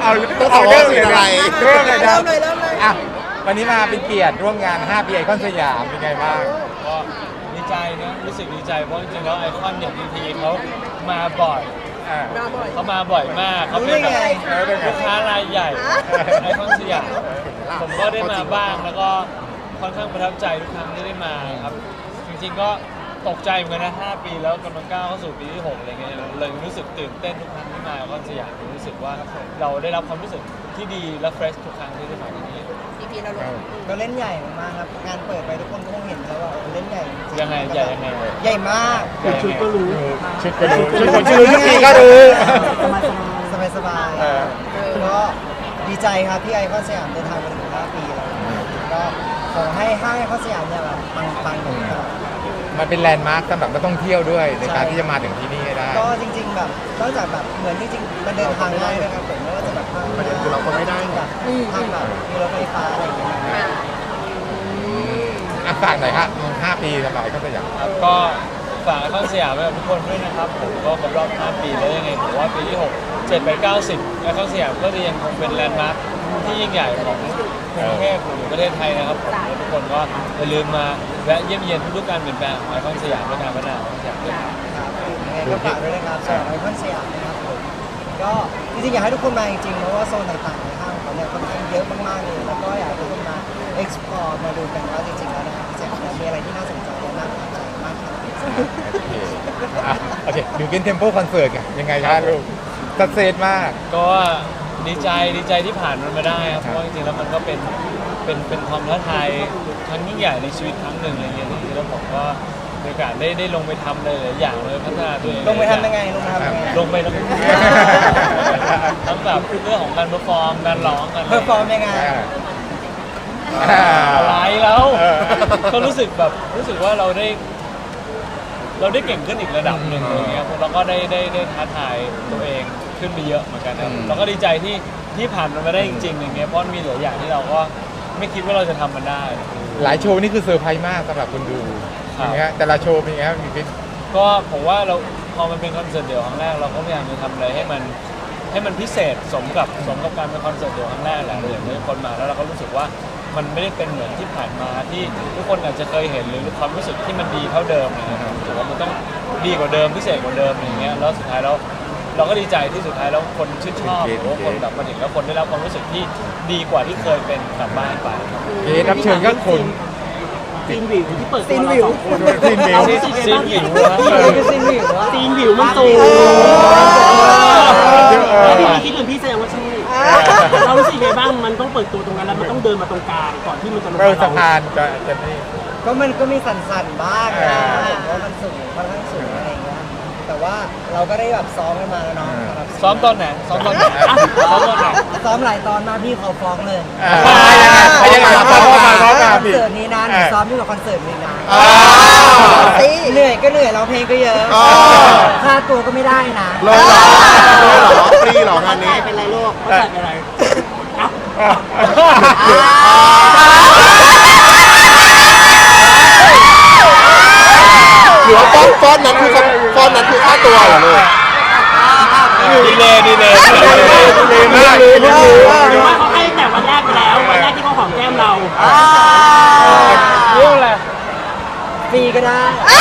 ต้องขอเริ่เริ่มมเลเลย ยอะไรเริ่มเลยนะเริ่มเลยอ่ะวันนี้มาเป็นเกียรติร่วมงาน5ปีไอคอนสยามเป็นไงบ้างก็ดีใจนะรู้สึกดีใจเพราะจริงๆแล้วไอคอนเนี่ยพีทีเขามาบ่อยอ่ามาบ่อยเขามาบ่อยมากเขาเป็นแบบรู้ได้ไงลูกค้ารายใหญ่ไอคอนสยามผมก็ได้มาบ้างแล้วก็ค่อนข้างประทับใจทุกครั้งที่ได้มาครับจริงๆก็ตกใจเหมือนกันนะ5 ปีแล้วกำลังก้าวเข้าสู่ปีที่6อะไรเงี้ยเลยรู้สึกตื่นเต้นทุกครั้งที่มาไอคอนสยามรู้สึกว่าเราได้รับความรู้สึกที่ดีและเฟรชทุกครั้งที่ได้มาที่นี่พีเราลงก็เล่นใหญ่มากครับงานเปิดไปทุกคนคงเห็นแล้วว่าเล่นใหญ่จริงๆยังไงใหญ่ยังไงเลยใหญ่มากใหญ่ยังไงชุดก็รู้ชุดคนชื่อทุกทีก็รู้สบายเออๆก็ดีใจครับที่ไอคอนสยามเดินทางมาถึง5 ปีแล้วก็ขอให้ห้างไอคอนสยามเนี่ยแบบปังๆอย่างนี้ตลอดมันเป็นแลนด์มาร์คสำหรับนักท่องเที่ยวด้วยในการที่จะมาถึงที่นี่ให้ได้ก็จริงๆแบบนอกจากแบบเหมือนจริงๆมันเดินทางง่ายนะครับผมไม่ว่าจะแบบทางประเด็นคือเราก็ไม่ได้แบบทางแบบมีรถไฟฟ้าอะไรอย่างเงี้ยอ่ะฝากหน่อยครับ5 ปีสำหรับไอคอนสยามครับก็ฝากไอคอนสยามไว้กับทุกคนด้วยนะครับผมก็ครบรอบ5 ปีแล้วยังไงผมว่าปีที่6 7 8 9 10ไอคอนสยามก็จะยังคงเป็นแลนด์มาร์คที่ยิ่งใหญ่ของกรุงเทพหรือประเทศไทยนะครับผมและทุกคนก็อย่าลืมมาแวะเยี่ยมเยียนทุกๆการเปลี่ยนแปลงของไอคอนสยามและการพัฒนาของสยามด้วยครับยังไงก็ฝากด้วยนะครับสำหรับไอคอนสยามนะครับผมก็จริงๆอยากให้ทุกคนมาจริงๆเพราะว่าโซนต่างๆในห้างเขาเนี่ยค่อนข้างเยอะมากๆเลยแล้วก็อยากให้ทุกคนมา explore มาดูกันว่าจริงๆแล้วนะครับสยามเนี่ยมีอะไรที่น่าสนใจและน่าประทับใจมากครับโอเคดูกินเทมโปคอนเสิร์ตไงยังไงครับลูกสักเซสมากก็ดีใจที่ผ่านมันมาได้ครับเพราะว่าจริงๆแล้วมันก็เป็นความท้าทายครั้งยิ่งใหญ่ในชีวิตครั้งหนึ่งอะไรเงี้ยจริงๆแล้วผมก็มีโอกาสได้ลงไปทำเลยหลายอย่างเลยพัฒนาตัวเองลงไปทำยังไงลงไปทำยังไงลงไปแล้วทั้งแบบเรื่องของการเพอร์ฟอร์มการร้องกันเพอร์ฟอร์มยังไงอะไรแล้วเออก็รู้สึกว่าเราได้เก่งขึ้นอีกระดับหนึ่งอะไรเงี้ยเราก็ได้ท้าทายตัวเองขึ้นไปเยอะเหมือนกันนะเราก็ดีใจที่ผ่านมันมาได้จริงๆอย่างเงี้ยเพราะมีหลายอย่างที่เราก็ไม่คิดว่าเราจะทำมันได้หลายโชว์นี่คือเซอร์ไพรส์มากสำหรับคนดูครับอย่างเงี้ยแต่ละโชว์เป็นไงครับมีฟิตก็ผมว่าเราพอมันเป็นคอนเสิร์ตเดี่ยวครั้งแรกเราก็พยายามจะทำอะไรให้มันพิเศษสมกับการเป็นคอนเสิร์ตเดี่ยวครั้งแรกแหละเราอยากให้คนมาแล้วเราก็รู้สึกว่ามันไม่ได้เป็นเหมือนที่ผ่านมาที่ทุกคนอาจจะเคยเห็นหรือความรู้สึกที่มันดีเท่าเดิมนะครับถือว่ามันต้องดีกว่าเดิมพิเศษกว่าเดิมอย่างเงี้ยแล้วสุดท้ายแล้วเราก็ดีใจที่สุดท้ายแล้วคนชื่นชอบหรือว่าคนแบบมาถึงแล้วคนได้รับความรู้สึกที่ดีกว่าที่เคยเป็นกลับบ้านไปครับเกสรับเชิญก็คนซีนวิวที่เปิดตัวเราสองคนซีนวิวเรารู้สึกไงบ้างซีนวิวซีนวิวว่าซีนวิวมันสูงเออแล้วพี่คิดเหมือนพี่แสดงว่าใช่เรารู้สึกไงบ้างมันต้องเปิดตัวตรงนั้นแล้วมันต้องเดินมาตรงกลางก่อนที่มันจะลงเออสะพานจะนี่ก็มันก็มีสั่นๆบ้างนะผมว่ามันสูงค่อนข้างสูงอะไรอย่างเงี้ยแต่ว่าเราก็ได้แบบซ้อมกันมาแล้วเนาะสำหรับซ้อมตอนไหนซ้อมตอนไหนซ้อมตอนไหนซ้อมหลายตอนมากพี่เขาฟ้องเลยยังไงครับพ่อมาคพ่อมาอนพี่เสิร์ตนี้นะหนูซ้อมยิ่งกว่าคอนเสิร์ตนี้นะอ่าเหนื่อยก็เหนื่อยร้องเพลงก็เยอะค่าตัวก็ไม่ได้นะเลยเหรอฟรีเหรองานนี้เป็นไรโลกเขาใส่เป็นไรอ่ะหรือว่าฟอนต์นั้นคือค่าตัวเหรอลูกดีเลยดีเลยมากหรือว่าเขาให้แต่วันแรกไปแล้ววันแรกที่เขาหอมแก้มเราเรื่องอะไรฟรีก็ได้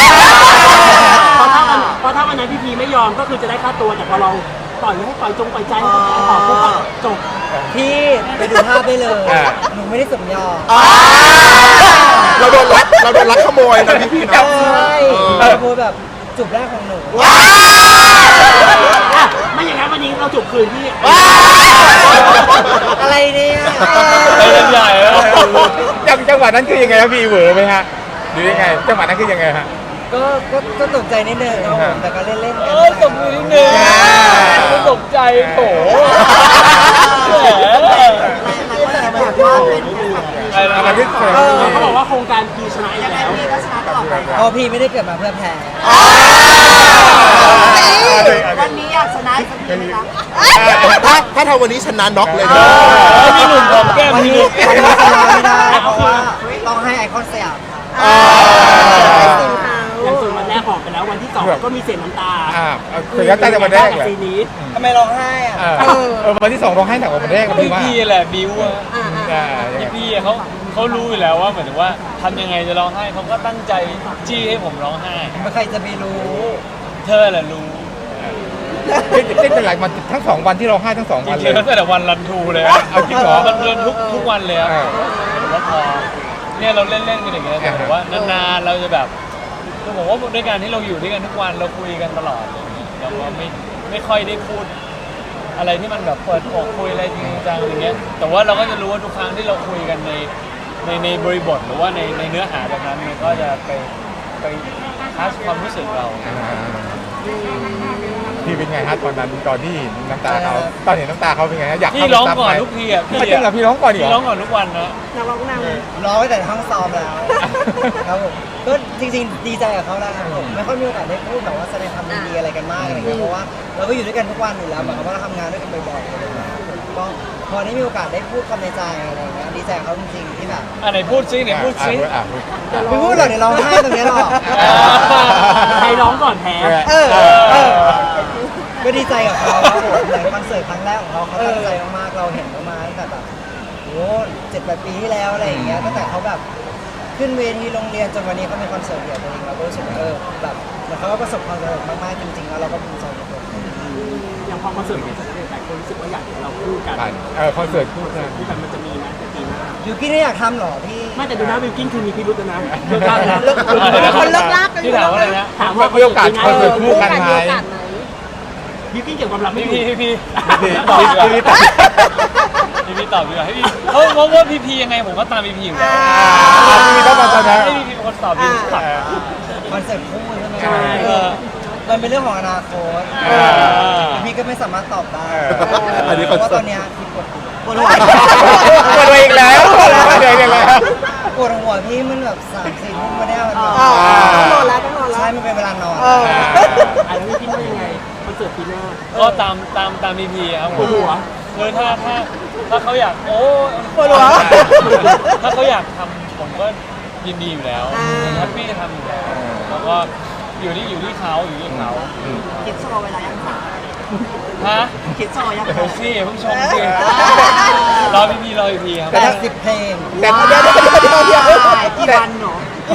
เพราะถ้าวันนั้นพี่พีไม่ยอมก็คือจะได้ค่าตัวแต่พอเราปล่อยให้ปล่อยใจให้เขาขอปุ๊บก็จบพี่ไปดูภาพได้เลยหนูไม่ได้สมยอมเราโดนลักขโมยนะพี่ๆนะใช่โพสแบบจุบแรกของหนูอ่ะไม่อย่างนั้นวันนี้เราจบคืนที่อะไรเนี่ยไปเล่นใหญ่แล้วจังหวะนั้นคือยังไงครับพี่เหวอไหมฮะหรือยังไงจังหวะนั้นคือยังไงฮะก็ตกใจนิดนึงครับผมแต่ก็เล่นๆกันตบมือนิดนึงไม่ตกใจโถแหมแบบว่าเป็นอะไรที่เคยเขาบอกว่าโครงการพีชนะอีกแล้วพอพี่ไม่ได้เกิดมาเพื่อแพ้วันนี้อยากชนะสักทีไหมคะถ้าทำวันนี้ชนะน็อกเลยนะมีหนุ่มหอมแก้มวันมีนี้หนุ่มชนะไม่ได้เพราะว่าต้องให้ไอคอนสยามอย่างส่วนวันแรกหอมไปแล้ววันที่สองก็มีเสียงน้ำตาเสียงน้ำตาจากวันแรกเลยซีนนี้ทำไมร้องไห้อ่ะวันที่2ร้องไห้หนักกว่าวันแรกพี่ว่าพี่แหละบิวอะยังไงพี่เขารู้อยู่แล้วว่าเหมือนถึงว่าทำยังไงจะร้องไห้เขาก็ตั้งใจจี้ให้ผมร้องไห้ไม่ใครจะไปรู้เธอแหละรู้เต้นหลายวันทั้ง2วันที่ร้องไห้ทั้ง2 จวันเลริยงๆตั้งแต่วันรันทูเลยอะเอาจริงเหรอมันเดินทุกวันเลยอะแล้วพอเนี่ยเราเล่นกันอย่างเงี้ยแต่ผมว่านานๆเราจะแบบคือผมว่าด้วยการที่เราอยู่ด้วยกันทุกวันเราคุยกันตลอดเลยเราก็ไม่ค่อยได้พูดอะไรที่มันแบบเปิดอกคุยอะไรจริงจังอย่างเงี้ยแต่ว่าเราก็จะรู้ว่าทุกครั้งที่เราคุยกันในบริบทหรือว่าในเนื้อหาแบบนั้นมันก็จะไปทัชความรู้สึกเราพี่เป็นไงฮะตอนนั้นตอนที่น้ำตาเขาตอนเห็นน้ำตาเขาเป็นไงฮะอยากพี่ร้องก่อนทุกทีอ่ะพี่จริงเหรอพี่ร้องก่อนเหรพี่ร้องอก่อนทุกวันนะนักร้องนำร้องไว้แต่ในห้องซ้อมแล้วครับผมก็จริงๆดีใจกับเขาแล้วครับผมไม่ค่อยมีโอกาสได้พูดแบบว่าแสดงความยินดีอะไรกันมากอะไรเงี้ยเพราะว่าเราก็อยู่ด้วยกันทุกวันอยู่แล้วเหมือนกับว่าเราทำงานด้วยกันบ่อยๆอะไรเงี้ยก็พอได้มีโอกาสได้พูดความในใจอะไรเงี้ยดีใจกับเขาจริงๆที่แบบไหนพูดซิไหนพูดซิไม่พูดหรอกเดี๋ยวร้องไห้ตรงนี้หรอกใครร้องก่อนแพ้ก็ดีใจกับเขาครับผมในคอนเสิร์ตครั้งแรกของเขาตั้งใจมากๆเราเห็นเขามาตั้งแต่แบบโอ้7-8 ปีที่แล้วอะไรอย่างเงี้ยตั้งแต่เขาแบบขึ้นเวทีโรงเรียนจนวันนี้เขามีคอนเสิร์ตเดี่ยวตัวเองเราก็รู้สึกว่าแบบเหมือนเขาก็ประสบความสำเร็จมากๆจริงๆแล้วเราก็ภูมิใจในตัวเขาอย่างพอคอนเสิร์ตเป็นสำเร็จหลายคนรู้สึกว่าอยากเห็นเราคู่กันคอนเสิร์ตคู่กันคู่กันมันจะมีไหมปีหน้ายูกี้ไม่อยากทำหรอพี่ไม่แต่ดูนะวิวกิ้นคือมีพิรุธแล้วนะเลิกลากแล้วคนเลิกลากกันที่ถามว่าอะไรนะถามว่ามีโอกาสคอนเสิร์ตคู่กันไหมวิวกิ้นเกี่ยวกับความลับไม่พี่ถูกพี่ตอบดีกว่าพี่ตอบดีกว่าให้พี่เพราะว่าพี่ยังไงผมก็ตามพี่อยู่แล้วพี่ต้องมาตอนนั้นให้พี่เป็นคนตอบพี่ตอบคอนเสิร์ตคู่ใช่ไหมใช่มันเป็นเรื่องของอนาคตพี่ก็ไม่สามารถตอบได้อันนี้เพคอนราะว่าเสิตร์อตนเนี้ยพี่ปวดหัวปวดตัวเองแล้วปวดตัวเองแล้วปวดหัวพี่มันแบบ3-4 ทุ่มมาเนี่ยมันแบบต้องนอนแล้วต้องนอนแล้วใช่มันเป็นเวลานอนอ่ะแล้ววิวกิ้นว่ายังไงคอนเสิร์ตปีหน้าก็ตามพี่ครับผปวมดหัวคือถ้าเขาอยากโอ้ปวดหัวถ้าเขาอยากทำผมก็ยินดีอยู่แล้วแฮปปี้จะทำอยู่แล้วแล้วก็อยู่ที่เขาคิดโชว์เวลายังสาวฮะคิดโชว์ยังเดี๋ยวสิเพิ่งชมสิรอพี่ครับ 80 เพลงแต่กี่วันหนู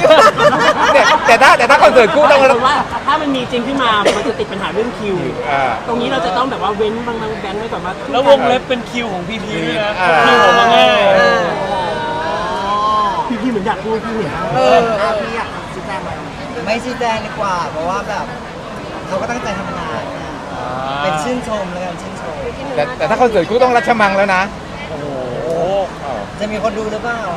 แต่ถ้าคอนเสิร์ตคู่ต้องแต่ว่าถ้ามันมีจริงขึ้นมา มันจะติดปัญหาเรื่องคิว ตรงนี้เราจะต้องแบบว่าเว้นบางแบนไว้ก่อนว่าแล้ววงเล็บเป็นคิวของพี่ด้วยนะคิวผมมาง่ายพี่เหมือนอยากพูดพี่เหมือนพี่อยากชี้แจงอะไรไม่ชี้แจงดีกว่า เพราะว่าแบบเขาก็ตั้งใจทำงานนะเป็นชื่นชมแล้วกันชื่นชมแต่ถ้าคอนเสิร์ตคู่ต้องรัชมังแล้วนะโอ้โหจะมีคนดูหรือเปล่า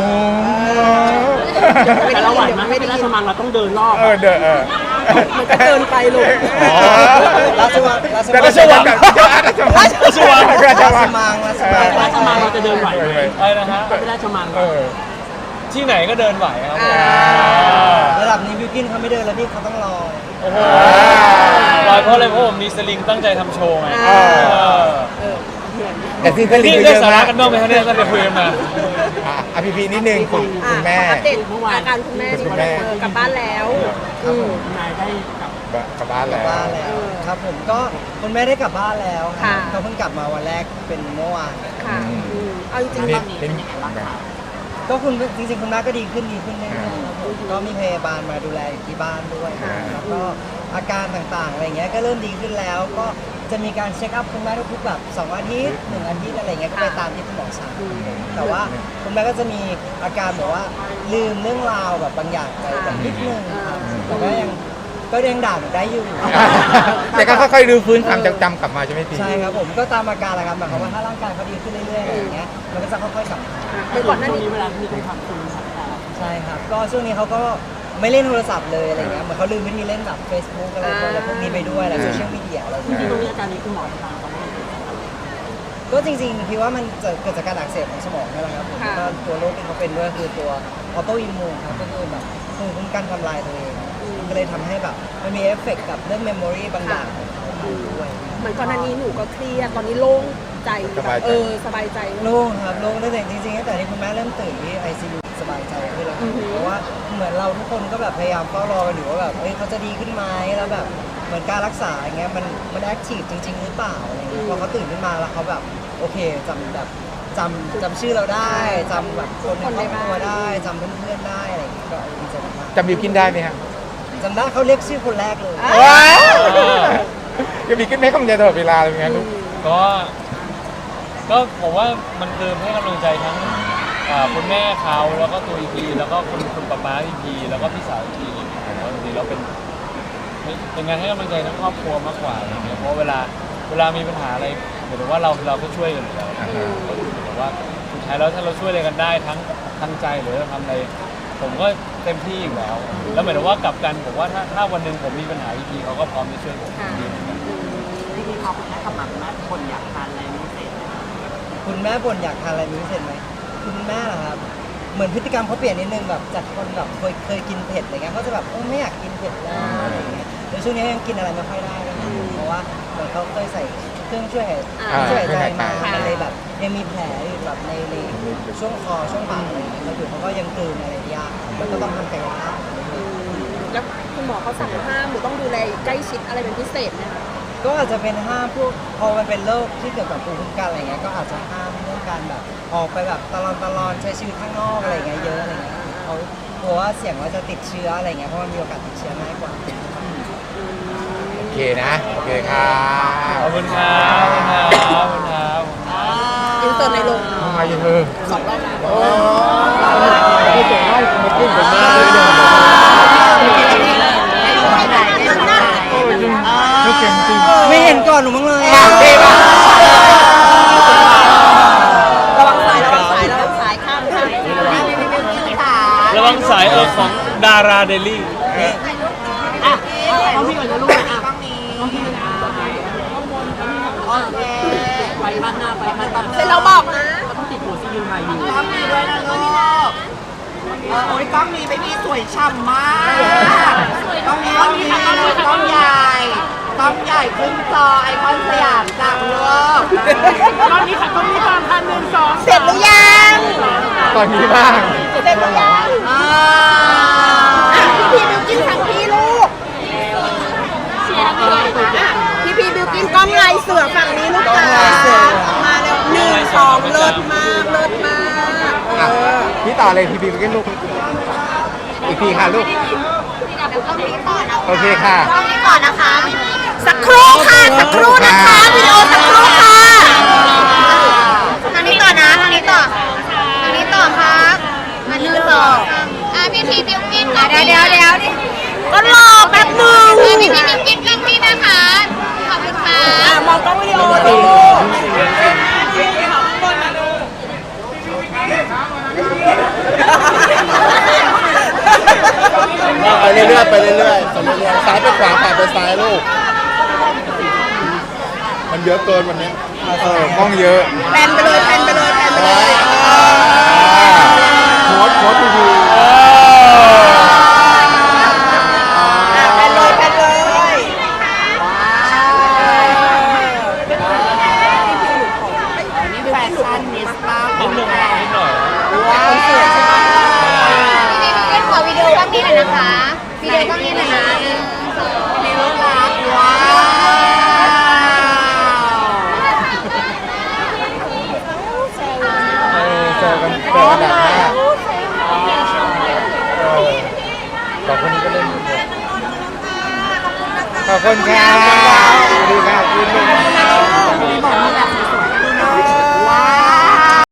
แต่เราไหวไหมไม่เป็นราชมังเราต้องเดินรอบมันก็เกินไปลูกราชวังแต่ราชวังกับราชวังราชมังราชมังเราจะเดินไหวไหมอะไรนะฮะไม่ราชมังที่ไหนก็เดินไหวครับระดับนี้บิวกินเขาไม่เดินแล้วพี่เขาต้องรอโอ้โหไหวเพราะอะไรเพราะผมมีสลิงตั้งใจทำโชว์ไงแต่ซีนสลิงนี่เยได้อะสาระมากกันบ้างไหมครับเนี่ยตั้งแต่คุยกันมาพีนิดนึงคุณแม่อัปเดตอาการคุณแม่ที่กลับบ้านแล้วนายได้กับกลับบ้านกลัแล้บวบ้านแล้วครับผมก็คุณแม่ได้กลับบ้านแล้วค่ะเขาเพิ่งกลับมาวันแรกเป็นเมื่อวานค่ะเอาจริงๆตอนนี้เป็นยังไงบ้างคะก็จริงๆคุณแม่ก็ดีขึ้นเรื่อยๆครับผมก็มีพยาบาลมาดูแลอยู่ที่บ้านด้วยแล้วก็อาการต่างๆอะไรเงี้ยก็เริ่มดีขึ้นแล้ว ก็จะมีการเช็คอัพคุณแม่ทุกๆแบบ2 อาทิตย์1 อาทิตย์อะไรเงี้ยก็ไปตามที่คุณหมอสั่งแต่ว่าคุณแม่ก็จะมีอาการแบบว่าลืมเรื่องราวแบบบางอย่างไปแบบนิดนึงครับแต่ก็ยังด่าหนูได้อยู่แต่ก็ค่อยๆรื้อฟื้นความจำกลับมาใช่ไหมพี่ใช่ครับผมก็ตามอาการแหละครับหมายความว่าถ้าร่างกายเขาดีขึ้นเรื่อยๆอะไรอย่างเงี้ยมันก็จะค่อยๆกลับมาคือก่อนหน้านี้เวลามีคนถามคุณใช่ครับก็ช่วงนี้เขาก็ไม่เล่นโทรศัพท์เลยอะไรเงี้ยเหมือนเขาลืมวิธีเล่นแบบ Facebook อะไรพวกนี้ไปด้วยอะไรโซเชียลมีเดียอะไรจริเงี้งยๆตรงนี้อาการนี้คุณหมอตามเขาไม่ก็จริงๆพี่ว่ามันจะเกิดจากการอักเสบของสมองนี่แหละครับผมก็ตัวโรคที่เขาเป็นด้วยคือตัวออโตอิมมูนครับก็คือแบบภูมิคุ้มกันทำลายตัวเองก็เลยทำให้แบบมันมีเอฟเฟกต์กับเรื่องเมมโมรีบางอย่างของเขาด้วยเหมือนก่อนหน้านี้หนูก็เครียดตอนนี้โล่งใจสบายใจโล่งครับโล่งตั้งแต่จริงๆตั้งแต่ที่คุณแม่เริ่มตื่นที่ ICU สบายใจขึ้นแล้วเพราะว่าเหมือนเราทุกคนก็แบบพยายามเฝ้ารอกันอยู่ว่าแบบเขาจะดีขึ้นไหมแล้วแบบเหมือนการรักษาอย่างเงี้ยมันแอคทีฟจริงๆหรือเปล่าอะไรเงี้ยพอเขาตื่นขึ้นมาแล้วเขาแบบโอเคจำชื่อเราได้จำแบบคนในครอบครัวได้จำเพื่อนๆได้อะไรอย่างเงี้ยก็ดีใจมากจำบิวกินได้ไหมฮะจำได้เขาเรียกชื่อคนแรกเลยว้าวยังมีขึ้นให้กำลังใจตลอดเวลาเลยไงลูกก็ผมว่ามันคือให้กำลังใจทั้งคุณแม่เขาแล้วก็ตัวอีพีแล้วก็คุณป๊าอีพีแล้วก็พี่สาวอีพีผมว่าจริงๆเราเป็นงานให้กำลังใจทั้งครอบครัวมากกว่าอะไรเงี้ยเพราะเวลามีปัญหาอะไรหมายถึงว่าเราก็ช่วยกันอยู่แล้วแต่ว่าสุดท้ายแล้วถ้าเราช่วยอะไรกันได้ทั้งใจหรือเราทำอะไรผมก็เต็มที่อยู่แล้วแล้วหมายถึงว่ากลับกันผมว่าถ้าวันหนึ่งผมมีปัญหาอีพีเขาก็พร้อมจะช่วยผมดีเหมือนกันที่เขาคุณแม่กำลังแม่คนอยากทานอะไรพิเศษไหมคุณแม่บ่นอยากทานอะไรเป็นพิเศษไหมคุณแม่เหรอครับเหมือนพฤติกรรมเขาเปลี่ยนนิดนึงแบบจากคนแบบเคยกินเผ็ดอะไรเงี้ยเขาจะแบบไม่อยากกินเผ็ดแล้วอะไรเงี้ยแล้วช่วงนี้ยังกินอะไรไม่ค่อยได้เลยเพราะว่าเหมือนเขาเคยใส่เครื่องช่วยหายใจมามันเลยแบบยังมีแผลอยู่แบบในช่วงคอช่วงปากอะไรเงี้ยแล้วอยู่เขาก็ยังกลืนอะไรยากแล้วก็ต้องทำกายภาพแล้วคุณหมอเขาสั่งห้ามหรือต้องดูแลใกล้ชิดอะไรเป็นพิเศษไหมคะก็อาจจะเป็นห้ามพวกพอมันเป็นโรคที่เกี่ยวกับภูมิคุ้มกันอะไรเงี้ยก็อาจจะห้ามเรื่องการแบบออกไปแบบตลอดใช้ชีวิตข้างนอกอะไรเงี้ยเยอะอะไรเงี้ยเขากลัวว่าเสี่ยงว่าจะติดเชื้ออะไรเงี้ยเพราะมันมีโอกาสติดเชื้อง่ายกว่าโอเคนะโอเคครับขอบคุณครับขอบคุณครับขอบคุณครับอินเตอร์ในโรงทำไมยังเออสองรอบนะไม่เจ๋งมากมาขึ้นผมมากเลยเนี่ยเขาเก่งจริงไม่เห็นก่อนหนูมั้งเลยระวังสายระวังสายระวังสายข้ามข้ามระวังสายของดาราเดลี่อ่ะต้องพี่ก่อนนะลูกอ่ะต้องพี่นะโอเคไปบ้านหน้าไปบ้านตาเสร็จแล้วบอกนะต้องติดหัวซียูไทยอยู่กล้องนี้ด้วยนะลูกโอ้ยกล้องนี้ไม่มีสวยฉ่ำมาก กล้องนี้กล้องใหญ่กล้องใหญ่ขึ้นจอไอคอนสยามจังลูกตอนนี้ค่ะตอนนี้ตอนพันหนึ่งสองเสร็จหรือยังตอนนี้บ้างเสร็จหรือยังพี่บิวกินทางพี่ลูกพี่บิวกินกล้องลายเสือฝั่งนี้ลูกจ๋ามาเร็ว1 2เลิศมากเลิศมากอ่ะพี่ต่อเลยพี่บีไปกินลูกอีกทีค่ะลูกโอเคค่ะต้องนี้ก่อนนะคะ สักครู่ค่ะสักครู่นะคะวิดีโอสักครู่ค่ะทางนี้ต่อนะทางนี้ต่อครับมา1 2พี่บิวกินเดี๋ยวก็รอแป๊บนึงพี่บิวกินกล้องนี้นะคะขอบคุณค่ะมองกล้องวิดีโอดูไปเรื่อยๆไปเรื่อยๆซ้ายไปขวาขวาไปซ้ายลูก มันเยอะเกินวันนี้กล้องเยอะแพนไปเลยโค้ดทีวี